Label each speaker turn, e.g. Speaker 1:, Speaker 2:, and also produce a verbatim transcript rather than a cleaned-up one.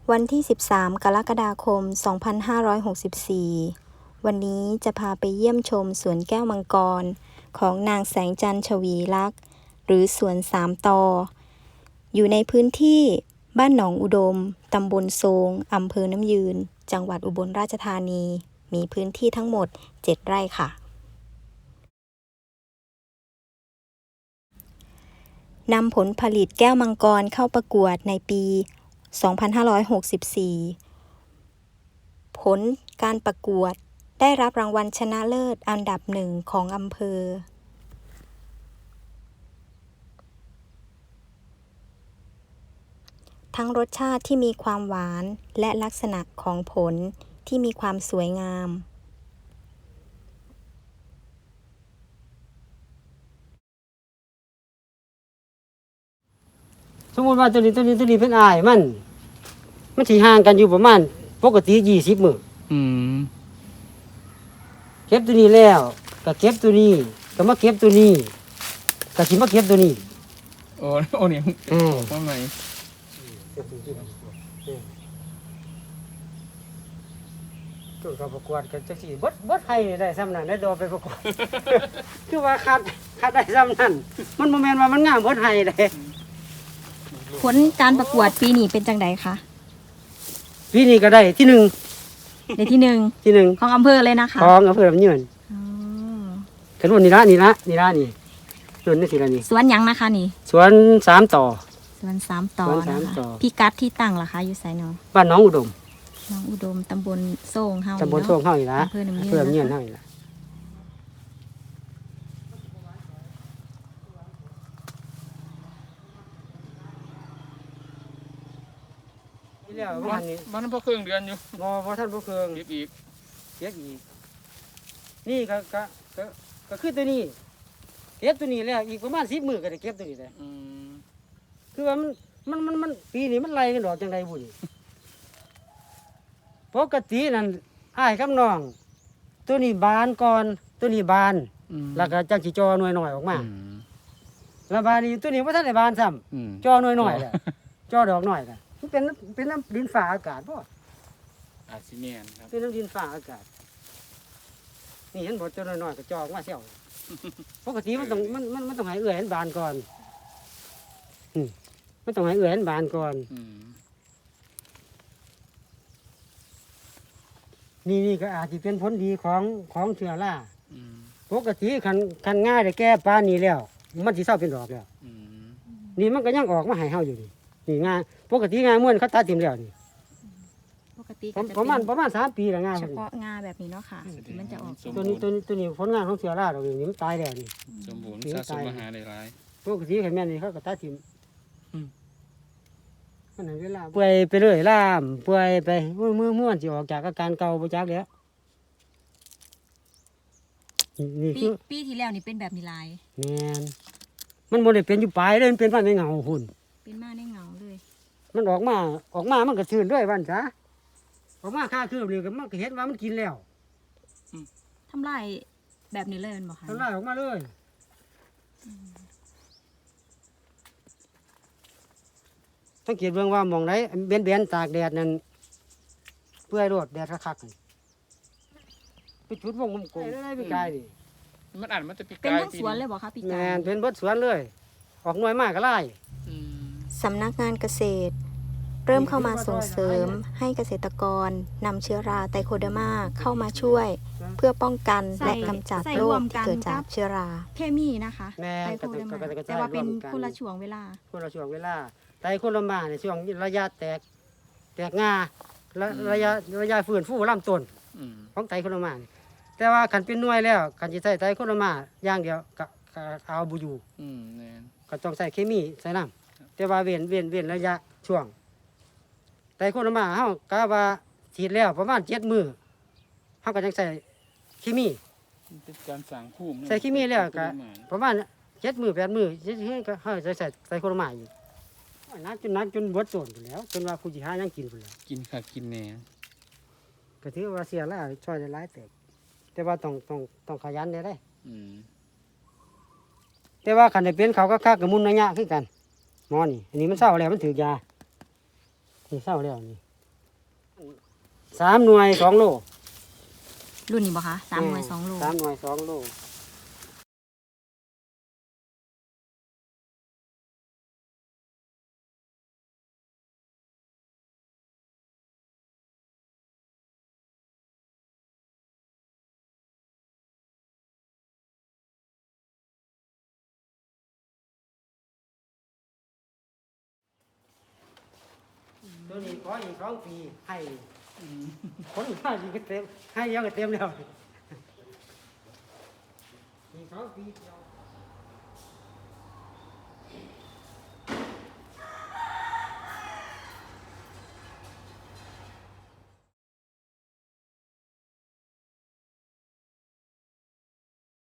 Speaker 1: วันที่ สิบสาม กรกฎาคม สองพันห้าร้อยหกสิบสี่ วันนี้จะพาไปเยี่ยมชมสวนแก้วมังกรของนางแสงจันทร์ชวีลักษณ์หรือสวนสามตอ อยู่ในพื้นที่บ้านหนองอุดม ตำบลโซง อำเภอน้ำยืน จังหวัดอุบลราชธานี มีพื้นที่ทั้งหมด เจ็ด ไร่ค่ะนำผลผลิตแก้วมังกรเข้าประกวดในปี สองพันห้าร้อยหกสิบสี่ ผลการประกวดได้รับรางวัลชนะเลิศอันดับหนึ่งของอำเภอ ทั้งรสชาติที่มีความหวานและลักษณะของผลที่มีความสวยงาม
Speaker 2: สมมติว่าตัวนี้ตัวนี้ตัวนี้เป็นอ้ายมันมันสิห่างกันอยู่ประมาณปกติยี่สิบมื้ออืมเก็บตัวนี้แล้วก็เก็บตัวนี้ก็มาเก็บตัวนี้ก็สิมาเก็บตัวนี้
Speaker 3: โอ้โอ้นี่อือว่าไง
Speaker 2: ตัวก็ประกวดกันจังซี่เบิดเบิดให้ได้ซ้ำนั้นได้ดอกไปประกวด คือว่าคัดคัดได้ซ้ำนั้นมันบ่แม่นว่ามันงามเบิดให้เด้
Speaker 1: ผลการประกวดปีนี้เป็นจังไดคะ
Speaker 2: ปีนี้ก็ได้ที่หนึ่ง
Speaker 1: ในที่หนึ่ง
Speaker 2: ที่หนึ่ง
Speaker 1: ของอำเภอเลยนะคะ
Speaker 2: ของอำเภอลำยืนอ๋อกันวันนี้ละนี่ละนี่ละนี่ส่วนนี่สิละนี่
Speaker 1: สวนยังนะคะนี่
Speaker 2: สวนสามต่อ
Speaker 1: สวนสามต่อนะคะพี่กัดที่ตั้งล่ะคะอยู่ไสเนาะ
Speaker 2: บ้านน้องอุดม
Speaker 1: น้องอุดมตำบลโซ่งเฮา
Speaker 2: ตำบลโซ่งเฮานี่ละอำเภอลำยืนเฮานี่ละ
Speaker 3: มันมันพอเครื่องเดือนอยู่
Speaker 2: บ่บ่ท่านบ่เครื่อง
Speaker 3: เก็บอีก
Speaker 2: เก็บอีกนี่ก็ก็ก็ก็คือตัวนี้เก็บตัวนี้แล้วอีกประมาณสิบมื้อก็ได้เก็บตัวนี้ได้อืมคือว่ามันมันมันมันปีนี้มันไล่กันดอกจังไดบุญปกตินั่นอ้ายกับน้องตัวนี้บานก่อนตัวนี้บานแล้วก็จังสิจอหน่วยน้อยออกมาแล้วบานนี้ตัวนี้บ่ทันได้บานซ้ำจอหน่วยน้อยแล้วจอดอกน้อยก็มันเป็นเป็นน้ำดินฟ้าอากาศบ่
Speaker 3: อาซิเมียนครับ
Speaker 2: เป็นน้ำดินฟ้าอากาศนี่เห็นบ่จอน้อยๆก็จอออกมาเซี่ยวปกติมันต้องมันมันมันต้องให้เอื้อยเห็นบานก่อนอืมมันต้องให้เอื้อยเห็นบานก่อนนี่นี่ก็อาจจะเป็นผลดีของของเชื้อราปกติคันคันง่ายได้แก้ปานนี้แล้วมันสิเศร้าเป็นดอกแล้วนี่มันก็ยังออกมาให้เฮาอยู่นี่นี่งาปกติงาม่วนเขาตัดทิ่มแล้วนี่
Speaker 1: ปกติ
Speaker 2: ประมาณประมาณสามปีแล้วงา
Speaker 1: เฉพาะงาแบบนี้เนาะค่ะที่มันจะออก
Speaker 2: ตัวนี้ตัวนี้ตัวนี้ผลงานของเชื้อราดอกนี้มันตายแล้วนี่
Speaker 3: สมบูรณ์สะสมอาหารได้หลาย
Speaker 2: ปกติคันแม่นนี่เขาก็ตัดทิ่มมันเวลาเปื่อยไปเรื่อยล่ามเปื่อยไปเมื่อเมื่อเมื่อมันสิออกจากอาการเก่าบ่จักแล้ว
Speaker 1: นี่คือปีที่แล้วนี่เป็นแบบนี้ลาย
Speaker 2: แม่นมันบ่ได้เป็นอยู่ปลายเลยมันเป็นมาในเงาหุ่น
Speaker 1: เป็นมาในเงาเลย
Speaker 2: มันออกมาออกมามันก็ชื้นด้วยวันซะออกมาค่าคืบนี่ก็มันก็เห็นว่ามันกินแล้ว
Speaker 1: ทำลายแบบนี้เลยมันบ่คะ
Speaker 2: ทำลายออกมาเลยสังเกตเบิ่งว่ามองไหนเบี้ยนๆตากแดดนั่นเปื่อยโลดแดดคักๆไปจุดวงกลมๆได้พี่กายนี่
Speaker 3: มันอ่านมันจะปีกาย
Speaker 1: เป็นทั้งสวนเลยบ่คะพี่กาย
Speaker 2: แม่นเป็นเบิดสวนเลยออกหน่วยมากก็ไล่
Speaker 1: สำนักงานเกษตรเริ่มเข้ามาส่งเสริมให้เกษตรกรนำเชื้อราไตโคเดอร์มาเข้ามาช่วยเพื่อป้องกันและกำจัดโรคที่เกิดจากเชื้อราเคมีนะคะไตโคเดอร์มาแต่ว่าเป็นคนละช่วงเวลา
Speaker 2: คนละช่วงเวลาไตโคเดอร์มาในช่วงระยะแตกแตกงาระยะระยะฟื้นฟูลำต้นของไตโคเดอร์มาแต่ว่าขันเป็นหน่วยแล้วขันจะใช้ไตโคเดอร์มาอย่างเดียวก็เอาบุยูก็ต้องใส่เคมีใส่น้ำแต่ว่าเว้นเว้นเว้นระยะช่วงไตโคเดอร์มาเฮากะว่าฉีดแล้วประมาณเจ็ดมื้อเฮาก็ยังใส่เคมี
Speaker 3: เป็นการสั่งภูมิ
Speaker 2: ใส่เคมีแล้วก็ประมาณเจ็ดมื้อแปดมื้อก็เฮาใส่ใส่ไตโคเดอร์มาอยู่นักจนนักจนเบิดต้นพุ่นแล้วจนว่าผู้สิหายังกินพุ่นแล้ว
Speaker 3: กินค่ะกินแหน่
Speaker 2: ก็ถือว่าเสียแล้วช่วยได้หลายเติบแต่ว่าต้องต้องต้องขยันได้ได้แต่ว่าคันได้เป็นเขาก็คักกับมุนระยะคือกันหมอนี่อันนี้มันเศร้าแล้วมันถือยานี่เศร้าแล้วนี่สามหน่วยสองโล
Speaker 1: รุ่นนี้บ่คะสามหน่วยสองโล
Speaker 2: สามหน่วยสองโลตัวนี้ขออีกสองปีให้คนมาอีกก็เต็มให้เยอะก็เต็มแล้วอีกสองปีเดียว